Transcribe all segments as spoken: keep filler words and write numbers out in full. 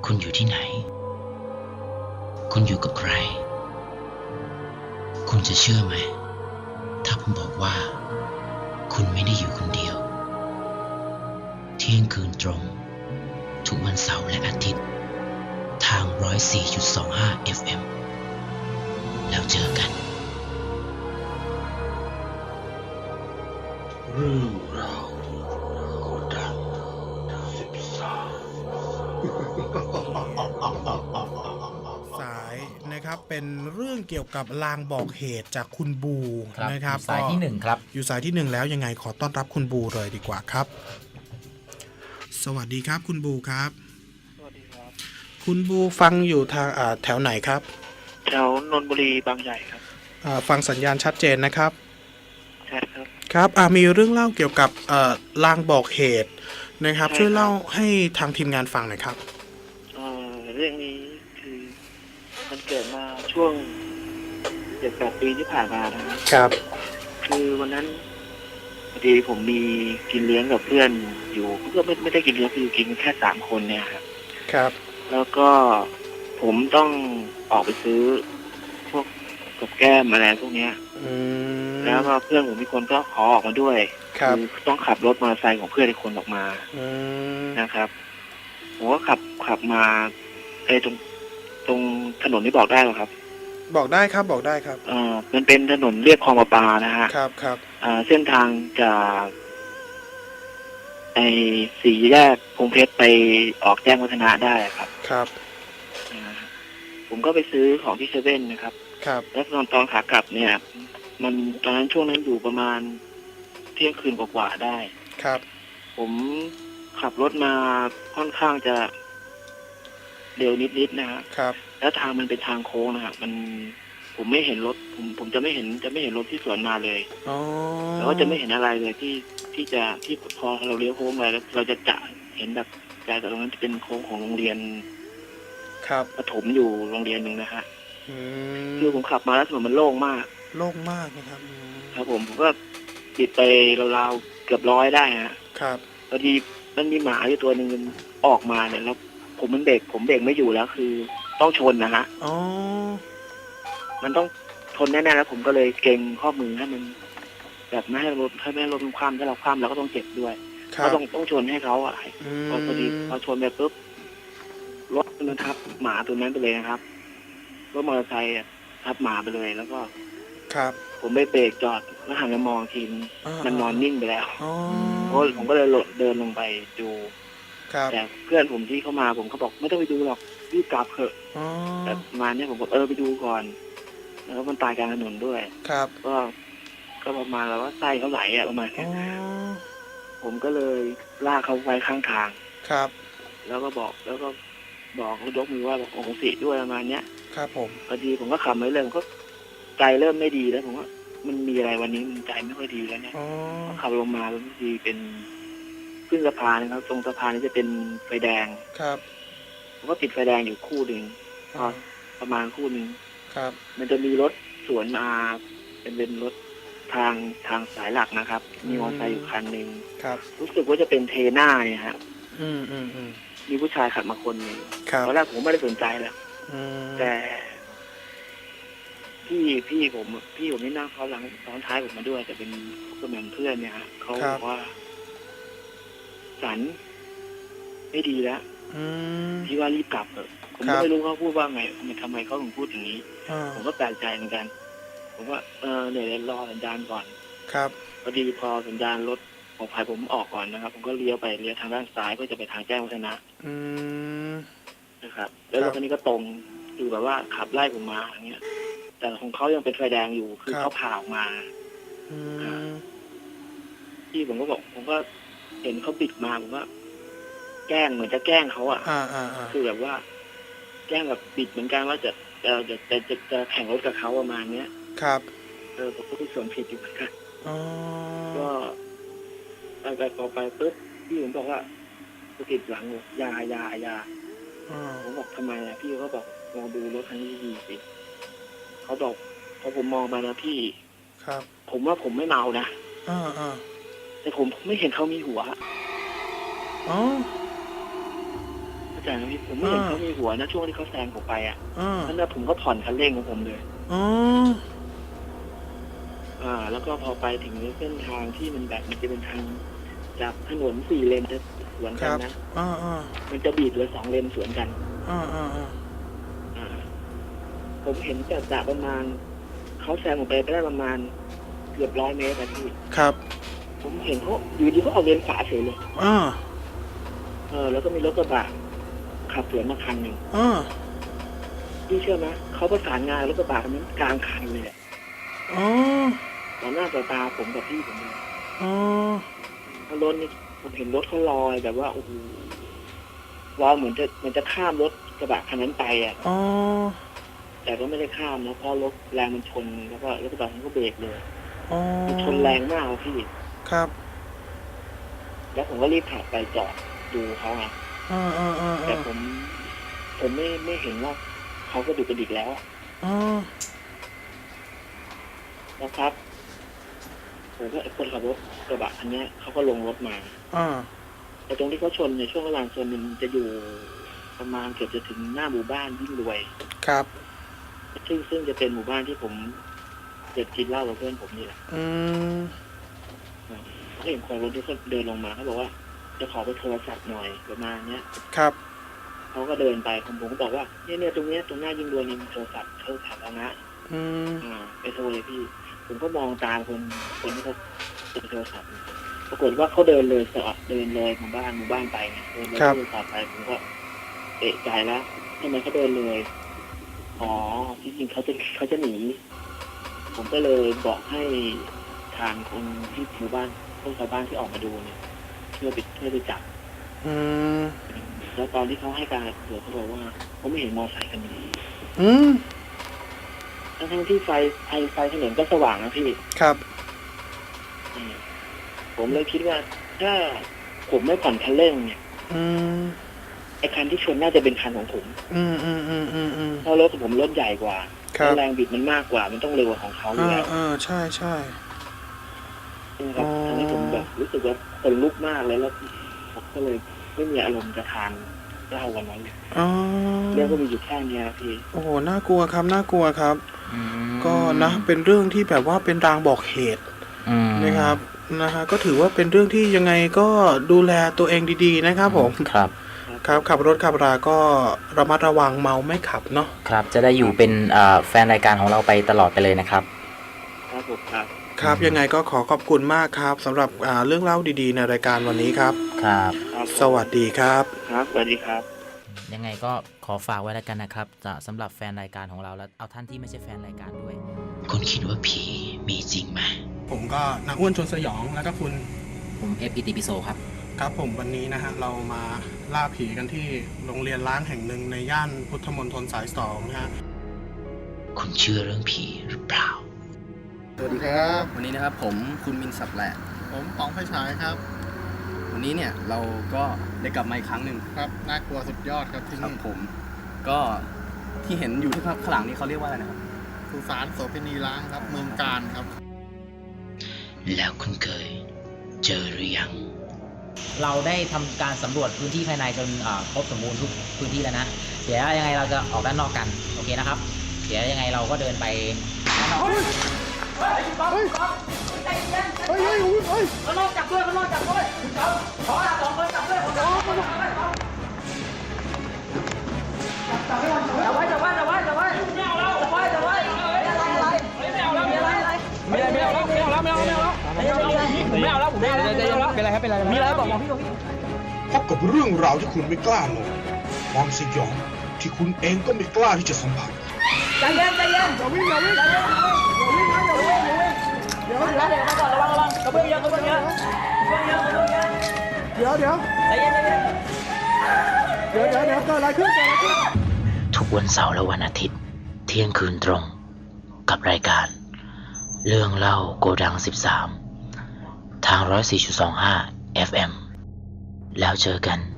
คุณอยู่ที่ไหนคุณอยู่กับใครคุณจะเชื่อไหมถ้าผมบอกว่าคุณไม่ได้อยู่คนเดียวเที่ยงคืนตรงทุกวันเสาร์และอาทิตย์ทาง หนึ่งร้อยสี่จุดสองห้า เอฟ เอ็ม แล้วเจอกันเรื่องราวโกดังสิบสามสายนะครับเป็นเรื่องเกี่ยวกับลางบอกเหตุจากคุณบูนะครับสายที่หนึ่งครับอยู่สายที่หนึ่งแล้วยังไงขอต้อนรับคุณบูเลยดีกว่าครับสวัสดีครับคุณบูครับสวัสดีครับคุณบูฟังอยู่ทางแถวไหนครับแถวนนทบุรีบางใหญ่ครับฟังสัญญาณชัดเจนนะครับใช่ครับครับมีเรื่องเล่าเกี่ยวกับลางบอกเหตุนะครับช่วยเล่าให้ทางทีมงานฟังหน่อยครับเรื่องนี้คือมันเกิดมาช่วงเจ็ดแปดปีที่ผ่านมานะครับครับคือวันนั้นพอดีผมมีกินเลี้ยงกับเพื่อนอยู่ก็ไม่ไม่ได้กินเลี้ยงคือกินแค่สามคนเนี่ยครับครับแล้วก็ผมต้องออกไปซื้อพวกกับแก้มอะไรพวกเนี้ยแล้วก็เพื่อนผมมีคนก็ขอออกมาด้วยคือต้องขับรถมอเตอร์ไซค์ของเพื่อนอีกคนออกมานะครับผมก็ขับขับมาไอ้ตรงตรงถนนนี่บอกได้หรอครับบอกได้ครับบอกได้ครับอ่ามันเป็นถนนเรียบคลองประปานะฮะครับครับอ่าเส้นทางจากไอ้สี่แยกพงเพชรไปออกแจ้งวัฒนะได้ครับครับอ่าผมก็ไปซื้อของที่เซเว่นนะครับครับแล้วตอนตอนขากลับเนี่ยมันตอนนั้นช่วงนั้นอยู่ประมาณเที่ยงคืนกว่าๆได้ครับผมขับรถมาค่อนข้างจะเร็วนิดๆนะฮะครับแล้วทางมันเป็นทางโค้งนะครับมันผมไม่เห็นรถผมผมจะไม่เห็นจะไม่เห็นรถที่สวนมาเลยอ๋อแล้วก็จะไม่เห็นอะไรเลยที่ที่จะที่พอเราเลี้ยวโค้งไปแล้วเราจะจะเห็นแบบแต่ตรงนั้นจะเป็นโค้งของโรงเรียนครับประถมอยู่โรงเรียนหนึ่งนะฮะคือผมขับมาแล้วถนนมันโล่งมากโล่งมากนะครับครับผมผมก็ติดไปราวๆเกือบร้อยได้ฮะครับพอดีมันมีหมาอยู่ตัวหนึ่งออกมาเนี่ยแล้วผมมันเบรกผมเบรกไม่อยู่แล้วคือต้องชนนะฮะอ๋อมันต้องชนแน่ๆแล้วผมก็เลยเกรงข้อมือให้มันแบบไม่ให้รถให้ไม่ให้รถมันคว่ำถ้าเราคว่ำเราก็ต้องเจ็บด้วยก็ต้องต้องชนให้เขาอ่ะพอพอดีพอชนไปปุ๊บรถมันทับหมาตัวนั้นไปเลยนะครับรถมอเตอร์ไซค์ทับหมาไปเลยแล้วก็ครับผมไปเบรกจอดแล้วหันมามองทีมันนอนนิ่งไปแล้วเพราะผมก็เลยเดินลงไปดูแต่เพื่อนผมที่เข้ามาผมเขาบอกไม่ต้องไปดูหรอกรีบกลับเถอะแต่มาเนี่ยผมบอกเออไปดูก่อนแล้วมันตายกลางถนนด้วยครับก็ก็ประมาณแล้วว่าไส้เขาไหลอ่ะประมาณนี้ผมก็เลยลากเขาไว้ข้างทางครับแล้วก็บอกแล้วก็บอกเขายกมือว่าบอกโอ้โหสิด้วยประมาณเนี้ยครับผมพอดีผมก็ขับไม่เริ่มก็ใจเริ่มไม่ดีแล้วผมว่ามันมีอะไรวันนี้มันใจไม่ค่อยดีแล้วเนี่ยขับลงมาแล้วบางทีเป็นขึ้นสะพานนะครับตรงสะพานนี้จะเป็นไฟแดงครับผมก็ติดไฟแดงอยู่คู่หนึ่งพอประมาณคู่หนึ่งครับมันจะมีรถสวนมาเป็นเป็นรถทางทางสายหลักนะครับมีมอเตอร์ไซค์อยู่คันหนึ่งครับรู้สึกว่าจะเป็นเทน่าเนี่ยฮะอืมอืมอืมมีผู้ชายขับมาคนหนึ่งครับตอนแรกผมไม่ได้สนใจแล้วแต่พี่พี่ผมพี่ผมนี่นั่งเขาหลังซ้อนท้ายผมมาด้วยแต่เป็นเหมือนเพื่อนเนี่ยฮะเขาบอกว่าสันไม่ดีแล้วที่ว่ารีบกลับเถอะผมก็ไม่รู้เขาพูดว่าไงทำไมเขาถึงพูดอย่างนี้ผมก็แปลกใจเหมือนกันผมว่าเออเดี๋ยวรอสัญญาณก่อนครับพอดีพอสัญญาณรถของภัยผมออกก่อนนะครับผมก็เลี้ยวไปเลี้ยวทางด้านซ้ายเพื่อจะไปทางแจ้งวัฒนะนะครับแล้วรถคันนี้ก็ตรงคือแบบว่าขับไล่ผมมาอย่างเงี้ยแต่ของเขายังเป็นไฟแดงอยู่คือเขาผ่าออกมาที่ผมก็บอกผมก็เห็นเขาปิดมาผมว่าแกล้งเหมือนจะแกล้งเขาอ่ะคือแบบว่าแกล้งแบบปิดเหมือนกันว่าจะจะจะจะจะจะแข่งรถกับเขาประมาณเนี้ยครับเออผมก็มีส่วนผิดอยู่เหมือนกันก็ไปไปพอไปปุ๊บพี่ผมบอกว่าสะกิดหลังยายายาผมบอกทำไมอ่ะพี่เขาบอกลองดูรถคันนี้ดีสิเขาบอกพอผมมองไปนะพี่ครับผมว่าผมไม่เมานะอ่าอ่าแต่ผมไม่เห็นเขามีหัวอ๋อใจนะพี่ผมไม่เห็นเขามีหัวนะช่วงที่เขาแซงผมไปอ่ะนั่นแหละผมก็ผ่อนคันเร่งของผมเลยอ๋ออ่าแล้วก็พอไปถึงเส้นทางที่มันแบบมันจะเป็นทางจากถนนสี่เลนจะสวนกันนะอ่าอ่ามันจะบีบเหลือสองเลนสวนกันอ่าอ่าอ่าผมเห็นจากจากประมาณเขาแซงผมไปไปได้ประมาณเกือบร้อยเมตรนะพี่ครับผมเห็นเขาอยู่ดีเขาเอาเลนขวาเฉยเลยอ่าเออแล้วก็มีรถกระบะขับสวนมาคันหนึ่งอ่าพี่เชื่อไหมเขาประสานงานรถกระบะคันนั้นกลางคันเลยอ๋อต่อหน้าต่อตาผมกับพี่ผมเลยอ๋อรถนี่ผมเห็นรถเขาลอยแบบว่าโอ้โหลอยเหมือนจะเหมือนจะข้ามรถกระบะคันนั้นไปอ่ะอ๋อแต่ก็ไม่ได้ข้ามนะเพราะรถแรงมันชนแล้วก็รถกระบะมันก็เบรกเลยอ๋อมันชนแรงมากพี่ครับแล้วผมก็รีบขับไปจอดดูเขาไงอ่าอ่าอ่าแต่ผมผมไม่ไม่เห็นว่าเขาก็ดูกระดิกแล้วอ๋อนะครับผมก็ไอ้คนขับรถกระบะคันนี้เขาก็ลงรถมาอ่าแต่ตรงที่เขาชนในช่วงกลางชนมันจะอยู่ประมาณเกือบจะถึงหน้าหมู่บ้านยิ่งรวยครับซึ่งซึ่งจะเป็นหมู่บ้านที่ผมเด็ดกินเหล้ากับเพื่อนผมนี่แหละอืมเขาเห็นคนรถที่เขาเดินลงมาเขาบอกว่าจะขอไปโทรศัพท์หน่อยประมาณเนี้ยครับเขาก็เดินไปผมผมก็บอกว่าเนี่ยเนี่ยตรงเนี้ยตรงหน้ายิ่งรวยนี่มีโทรศัพท์โทรศัพท์แล้วนะอืมอ่าไปโทรเลยพี่ผมก็มองตามคนคนที่เขาติดโทรศัพท์ปรากฏว่าเขาเดินเลยสอดเดินเลยหมู่บ้านหมู่บ้านไปไงเดินเลยโทรศัพท์ไปผมก็เอะใจแล้วทำไมเขาเดินเลยอ๋อจริงๆเขาจะเขาจะหนีผมก็เลยบอกให้ทางคนที่หมู่บ้านพวกชาวบ้านที่ออกมาดูเนี่ยเพื่อไปเพื่อไปจับอืมแล้วตอนที่เขาให้การตรวจเขาบอกว่าเขาไม่เห็นมอเตอร์ไซค์คันนี้อืมทั้งที่ไฟไฟไฟถนนก็สว่างนะพี่ครับผมเลยคิดว่าถ้าผมไม่ผ่อนคันเร่งเนี่ยอืมไอ้คันที่ชนน่าจะเป็นคันของผมอืมอืมอืมอืมอืมเพราะรถของผมรถใหญ่กว่าแรงบิดมันมากกว่ามันต้องเร็วกว่าของเขาอยู่แล้วอ่าใช่ใช่ครับทำให้ผมแบบรู้สึกว่าขนลุกมากเลยแล้วผมก็เลยไม่มีอารมณ์จะทานเหล้าวันนั้นเรื่องก็มีอยู่แค่นี้พี่โอ้โหน่ากลัวครับน่ากลัวครับก็นะเป็นเรื่องที่แบบว่าเป็นรางบอกเหตุนะครับนะฮะก็ถือว่าเป็นเรื่องที่ยังไงก็ดูแลตัวเองดีๆนะครับผมครับครับขับรถขับราก็ระมัดระวังเมาไม่ขับเนาะครับจะได้อยู่เป็นแฟนรายการของเราไปตลอดไปเลยนะครับครับผมครับครับยังไงก็ขอขอบคุณมากครับสำหรับเรื่องเล่าดีๆในรายการวันนี้ครับครับสวัสดีครับครับสวัสดีครับยังไงก็ขอฝากไว้แล้วกันนะครับจะสำหรับแฟนรายการของเราแล้วเอาท่านที่ไม่ใช่แฟนรายการด้วยคุณคิดว่าผีมีจริงไหมผมก็นักอ้วนชวนสยองแล้วก็คุณผมเอฟอิติปิโซครับครับผมวันนี้นะฮะเรามาล่าผีกันที่โรงเรียนร้างแห่งหนึ่งในย่านพุทธมณฑลสายสองนะฮะคุณเชื่อเรื่องผีหรือเปล่าสวัสดีครับวันนี้นะครับผมคุณมินสับแหละผมป๋องไฟฉายครับวันนี้เนี่ยเราก็ได้กลับมาอีกครั้งหนึ่งครับน่ากลัวสุดยอดครับที่นี่ผมก็ที่เห็นอยู่ที่ข้างหลังนี้เขาเรียกว่าอะไรนะครับสุสานโสเภณีร้างครับเมืองกาญครับแล้วคุณเคยเจอหรือยังเราได้ทำการสำรวจพื้นที่ภายในจนครบสมบูรณ์ทุกพื้นที่แล้วนะเดี๋ยวยังไงเราจะออกด้านนอกกันโอเคนะครับเดี๋ยวยังไงเราก็เดินไปด้านนอกเฮ้ยเฮ้ยเฮ้ยใจเย็นเฮ้ยเฮ้ยเฮ้ยเขาลอกจับด้วยเขาลอกจับด้วยคุณเขาขอสองคนจับด้วยขอสองคนจับด้วยจับไว้จับไว้จับไว้จับไว้จับไว้ไม่เอาแล้วจับไว้จับไว้อะไรอะไรไม่เอาแล้วไม่อะไรอะไรไม่ไม่เอาแล้วไม่เอาแล้วไม่เอาแล้วไม่เอาแล้วผมไม่เอาแล้วไม่เอาแล้วเป็นไรครับเป็นไรมีอะไรบอกบอกพี่บอกพี่พบกับเรื่องราวที่คุณไม่กล้านอนความสยองที่คุณเองก็ไม่กล้าที่จะสัมผัสใจเย็นใจเย็นอย่าวิ่งอย่าวิ่งอย่าวิ่งอย่าวิ่งนะอย่าวิ่งอย่าวิ่งเดี๋ยวเดี๋ยวมาก่อนระวังระวังกระเบื้องเยอะกระเบื้องเยอะกระเบื้องเยอะกระเบื้องเยอะเดี๋ยวเดี๋ยวใจเย็นใจเย็นเดี๋ยวเดี๋ยวเดี๋ยวเกิดอะไรขึ้นเกิดอะไรขึ้นทุกวันเสาร์และวันอาทิตย์เที่ยงคืนตรงกับรายการเรื่องเล่าโกดังสิบสามทาง หนึ่งร้อยสี่จุดสองห้า เอฟ เอ็ม แล้วเจอกัน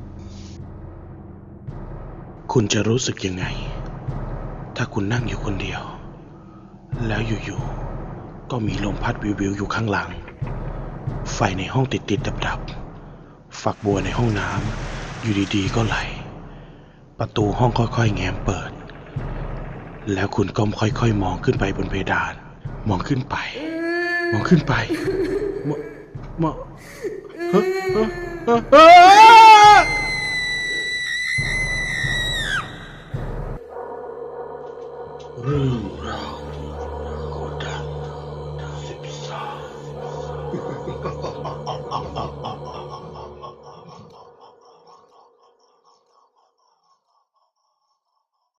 คุณจะรู้สึกยังไงถ้าคุณนั่งอยู่คนเดียวแล้วอยู่ๆก็มีลมพัดวิวๆอยู่ข้างหลังไฟในห้องติดๆดับๆฝักบัวในห้องน้ำอยู่ดีๆก็ไหลประตูห้องค่อยๆแง้มเปิด แล้วคุณก็ค่อยๆมองขึ้นไปบนเพดาน มองขึ้นไป มองขึ้นไป มองมองฮะฮะฮะฮะเรื่องราวโกดังสิบสาม